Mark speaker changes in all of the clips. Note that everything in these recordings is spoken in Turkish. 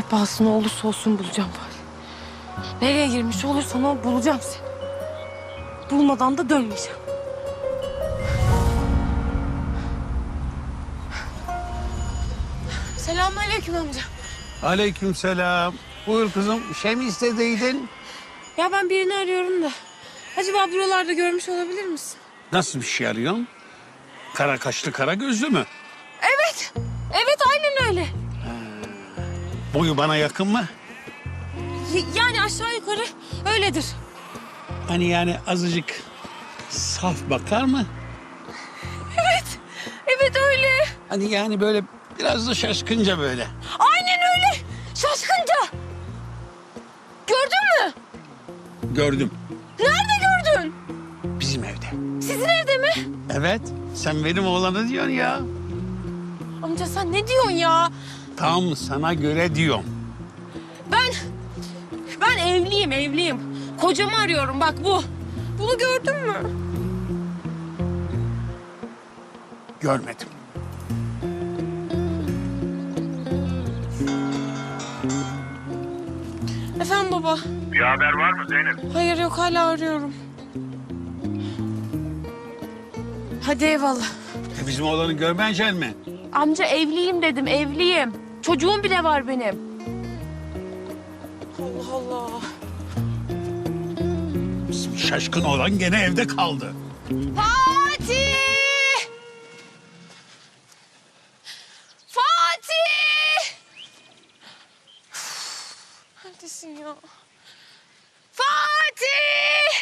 Speaker 1: Pahasına olursa olsun bulacağım bari. Nereye girmiş olursan ol bulacağım seni. Bulmadan da dönmeyeceğim. Selamünaleyküm amca.
Speaker 2: Aleykümselam. Buyur kızım. Bir şey mi istediydin?
Speaker 1: Ya ben birini arıyorum da. Acaba buralarda görmüş olabilir misin?
Speaker 2: Nasıl bir şey arıyorsun? Kara kaşlı, kara gözlü mü?
Speaker 1: Evet. Evet aynen öyle.
Speaker 2: Boyu bana yakın mı?
Speaker 1: Yani aşağı yukarı öyledir.
Speaker 2: Hani yani azıcık saf bakar mı?
Speaker 1: Evet. Evet öyle.
Speaker 2: Hani yani böyle biraz da şaşkınca böyle.
Speaker 1: Aynen öyle. Şaşkınca. Gördün mü?
Speaker 2: Gördüm.
Speaker 1: Nerede gördün?
Speaker 2: Bizim evde.
Speaker 1: Sizin evde mi?
Speaker 2: Evet. Sen benim oğlanı diyorsun ya.
Speaker 1: Amca sen ne diyorsun ya?
Speaker 2: Tam sana göre diyorum.
Speaker 1: Ben evliyim. Kocamı arıyorum bak bu. Bunu gördün mü?
Speaker 2: Görmedim.
Speaker 1: Efendim baba.
Speaker 3: Bir haber var mı Zeynep?
Speaker 1: Hayır yok hala arıyorum. Hadi eyvallah.
Speaker 2: Bizim oğlanı görmeyecek mi?
Speaker 1: Amca evliyim dedim evliyim. Çocuğum bile var benim. Allah Allah.
Speaker 2: Bizim şaşkın oğlan gene evde kaldı.
Speaker 1: Fatih! Fatih! Neredesin ya? Fatih!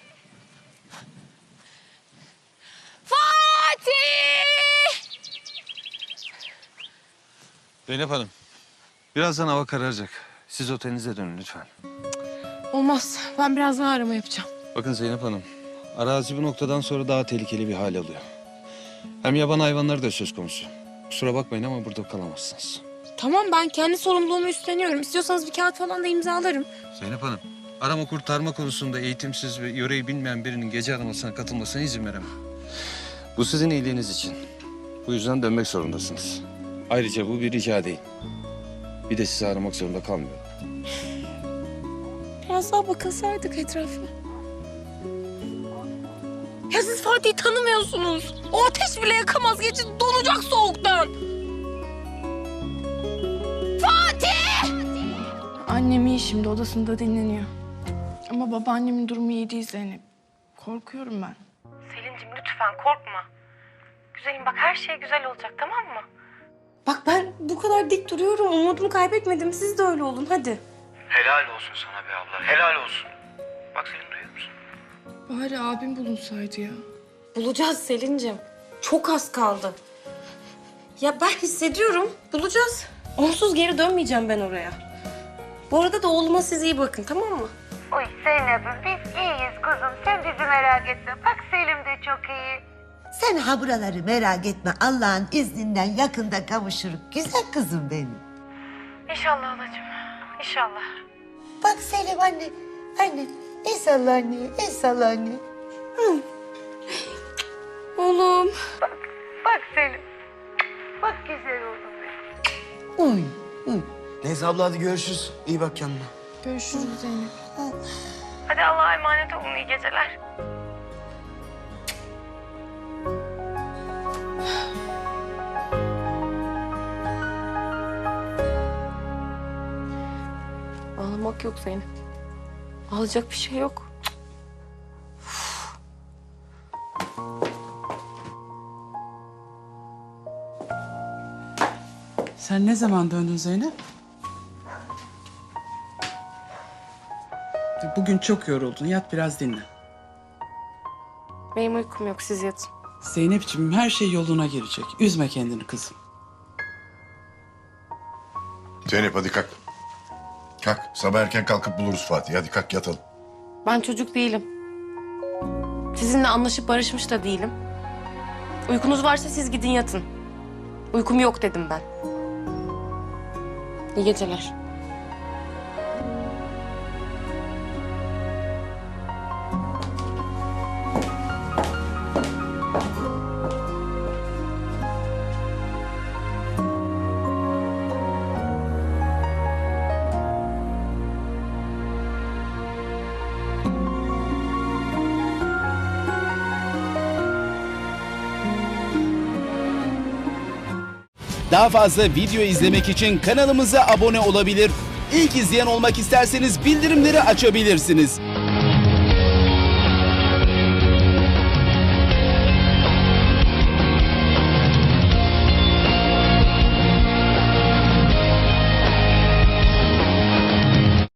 Speaker 1: Fatih!
Speaker 4: Zeynep Hanım, birazdan hava kararacak. Siz otelinize dönün lütfen.
Speaker 1: Olmaz. Ben birazdan arama yapacağım.
Speaker 4: Bakın Zeynep Hanım, arazi bu noktadan sonra daha tehlikeli bir hal alıyor. Hem yaban hayvanları da söz konusu. Kusura bakmayın ama burada kalamazsınız.
Speaker 1: Tamam ben kendi sorumluluğumu üstleniyorum. İstiyorsanız bir kağıt falan da imzalarım.
Speaker 4: Zeynep Hanım, arama kurtarma konusunda eğitimsiz ve yöreyi bilmeyen birinin gece aramasına katılmasına izin veremem. Bu sizin iyiliğiniz için. Bu yüzden dönmek zorundasınız. Ayrıca bu bir rica değil. Bir de sizi aramak zorunda kalmıyorum.
Speaker 1: Biraz daha bakılsaydık etrafa. Ya siz Fatih'i tanımıyorsunuz. O ateş bile yakamaz. Geçin donacak soğuktan. Fatih! Annem iyi şimdi odasında dinleniyor. Ama babaannemin durumu iyi değil Zeynep. Korkuyorum ben.
Speaker 5: Selin'cim lütfen korkma. Güzelim bak her şey güzel olacak tamam mı?
Speaker 1: Bak ben bu kadar dik duruyorum. Umudumu kaybetmedim. Siz de öyle olun hadi.
Speaker 3: Helal olsun sana be abla, helal olsun. Bak Selin duyuyor musun?
Speaker 1: Bari abim bulunsaydı ya.
Speaker 5: Bulacağız Selin'cim. Çok az kaldı. Ya ben hissediyorum. Bulacağız. Onsuz geri dönmeyeceğim ben oraya. Bu arada da oğluma siz iyi bakın tamam mı?
Speaker 6: Oy Zeynep'im biz iyiyiz kuzum. Sen bizi merak etme. Bak Selim de çok iyi.
Speaker 7: Sen ha buraları merak etme. Allah'ın izninden yakında kavuşuruz. Güzel kızım benim.
Speaker 5: İnşallah halacığım. İnşallah.
Speaker 7: Bak Selim anne. Anne. El salla anne. El salla anne.
Speaker 1: Oğlum.
Speaker 6: Bak Selim. Bak güzel oğlum benim.
Speaker 7: Uy. Uy.
Speaker 8: Neyse abla hadi görüşürüz. İyi bak kendine.
Speaker 1: Görüşürüz Zeynep.
Speaker 5: Hadi Allah'a emanet olun iyi geceler.
Speaker 1: Ağlamak yok Zeynep. Ağlayacak bir şey yok.
Speaker 9: Sen ne zaman döndün Zeynep? Bugün çok yoruldun. Yat biraz dinle.
Speaker 1: Benim uykum yok siz yatın.
Speaker 9: Zeynep'ciğim her şey yoluna girecek. Üzme kendini kızım.
Speaker 10: Zeynep hadi kalk. Kalk. Sabah erken kalkıp buluruz Fatih. Hadi kalk yatalım.
Speaker 1: Ben çocuk değilim. Sizinle anlaşıp barışmış da değilim. Uykunuz varsa siz gidin yatın. Uykum yok dedim ben. İyi geceler.
Speaker 11: Daha fazla video izlemek için kanalımıza abone olabilir. İlk izleyen olmak isterseniz bildirimleri açabilirsiniz.